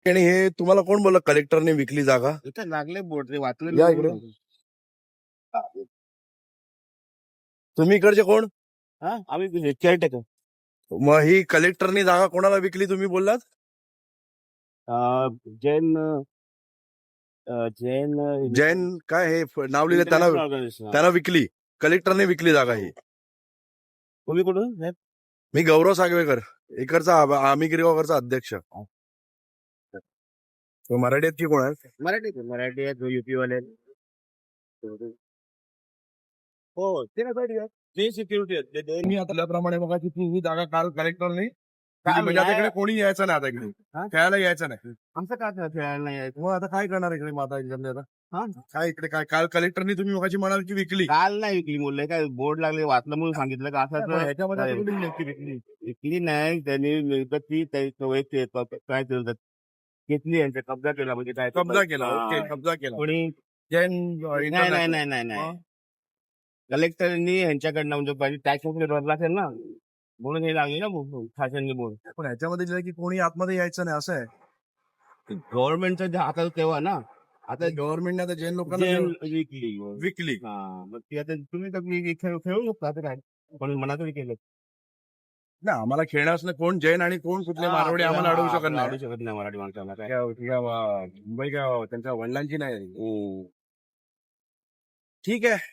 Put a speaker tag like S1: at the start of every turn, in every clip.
S1: आणि हे तुम्हाला कोण बोललं कलेक्टरने विकली जागा?
S2: इथं लागले बोर्ड ते वाचलं
S1: या
S2: नाही
S1: इकडे.
S2: म्हणून.
S1: तुम्ही इकडचे कोण?
S2: हा आम्ही केअरटेकर.
S1: मग ही कलेक्टरनी जागा कोणाला विकली तुम्ही बोललात?
S2: जैन जैन
S1: जैन काय हे नाव लिहिलं त्यांना
S2: इंटरनॅशनल ऑर्गनायझेशन.
S1: त्यांना विकली. कलेक्टरने विकली जागा ही.
S2: तुम्ही कुठून साहेब?
S1: मी गौरव सागवेकर, इकडचा आम्ही गिरगावकरचा अध्यक्ष. तो मराठी आहेत की कोण आहे?
S2: मराठी आहेत युपी वाले. हो ते काय पाहिजे ते सिक्युरिटी आहेत.
S1: मी आता त्याप्रमाणे बघा की ही जागा काल कलेक्टरने
S2: काल
S1: म्हणजे आता
S2: नाही.
S1: इकडे कोणी यायचं नाही आता इकडे
S2: हा?
S1: खेळायला यायचं नाही.
S2: आमचं काय खेळायला नाही आहे.
S1: मग आता काय करणार इकडे माता एक्झामने आता?
S2: हा?
S1: काय इकडे काय काल कलेक्टरनी तुम्ही मगाशी म्हणाल की विकली.
S2: काल नाही विकली बोलले काय बोर्ड लागले वाचलं म्हणून सांगितलं का
S1: पण
S2: असं
S1: ह्याच्यामध्ये
S2: काय?
S1: आता कुठे लिहिलंय की विकली?
S2: विकली नाही त्यांनी विकत ती काय केलं घेतली यांचा कब्जा केला म्हणजे काय
S1: कब्जा केला.
S2: हा.
S1: ओके, कब्जा केला.
S2: कोणी
S1: जैन
S2: नाही
S1: इंटरनॅशनल.
S2: नाही नाही नाही
S1: हा?
S2: कलेक्टरनी यांच्याकडनं म्हणजे पाहिजे टॅक्स वगैरे भरला असेल ना म्हणून हे लागले ना शासनने बोर्ड.
S1: पण ह्याच्यामध्ये लिहिलंय की कोणी आतमध्ये यायचं नाही असं आहे.
S2: गव्हर्नमेंटचं हातात तेव्हा ना आता
S1: गव्हर्नमेंटने आता जैन लोकांना
S2: विकली.
S1: विकली.
S2: हा मग ती आता तुम्ही तर खेळू शकता आता काय पण मनातरी केलं.
S1: ना आम्हाला खेळण्यास नाही कोण जैन आणि कोण कुठले मारवाडी आम्हाला अडवू शकत नाही.
S2: अडवू शकत नाही मराठी माणसाला काय.
S1: मुंबई काय त्यांच्या वडिलांची नाही. ठीक आहे.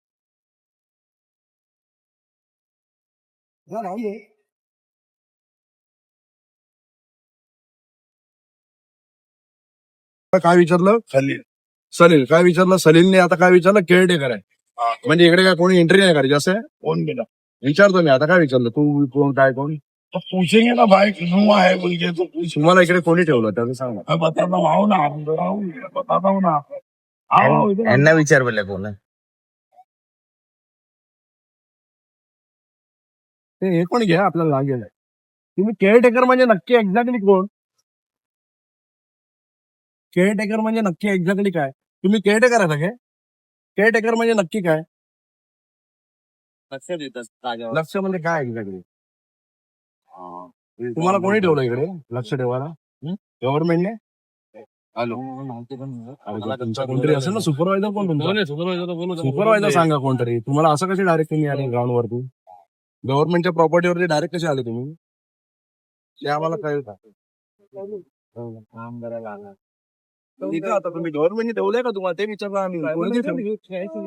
S1: काय विचारलं? सलील काय विचारलं? सलीलने आता काय विचारलं? केअरटेकर आहे. म्हणजे इकडे काय कोणी एंट्री नाही करायची असं आहे? कोण गेला विचारतो मी आता. काय विचारलं तू? कोण काय कोण पूछेंगे ना भाई क्यों आहे बोलके तो तुम्हाला इकडे कोणी ठेवलं त्याचं सांग ना. बताता हूं ना बताता हूं ना.
S3: यांना विचार बोलले कोण
S1: हे पण घ्या आपल्याला लागेल. तुम्ही केअरटेकर म्हणजे नक्की एक्झॅक्टली कोण? केअरटेकर म्हणजे नक्की एक्झॅक्टली काय? तुम्ही केअरटेकर आहे सगळे? केअरटेकर म्हणजे नक्की काय?
S2: लक्ष देतात जागेवर.
S1: लक्ष म्हणजे काय एक्झॅक्टली? तुम्हाला कोणी ठेवलं इकडे लक्ष ठेवायला? गव्हर्नमेंटने? हॅलो तुमचा कोणतरी असेल ना सुपरवायझर. कोण तुमचा सुपरवायझर सांगा कोणतरी. तुम्हाला असं कसे डायरेक्ट तुम्ही आले ग्राउंड वरती? गव्हर्नमेंटच्या प्रॉपर्टीवरती डायरेक्ट कसे आले तुम्ही? ते आम्हाला कळेल का?
S2: काम करायला आला.
S1: इथं आता तुम्ही गव्हर्नमेंटने ठेवलंय का तुम्हाला ते विचारलं आम्ही. कोणी ठेवलं?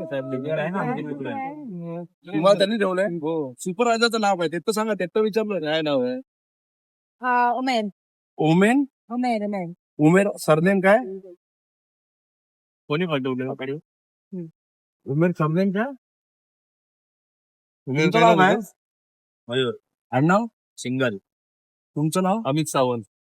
S1: तुम्हाला त्यांनी ठेवलंय? सुपरवायझरचं नाव काय ते तर सांगा. ते तर विचारलं काय नाव आहे?
S4: उमेर
S1: ओमेन
S4: उमेर उमेर
S1: उमेर सरनेम काय?
S2: कोणी पाठवलं?
S1: उमेर सरनेम काय? तुमचं नाव काय?
S2: मयूर
S1: आडनाव?
S2: सिंगल
S1: तुमचं नाव?
S2: अमित सावंत.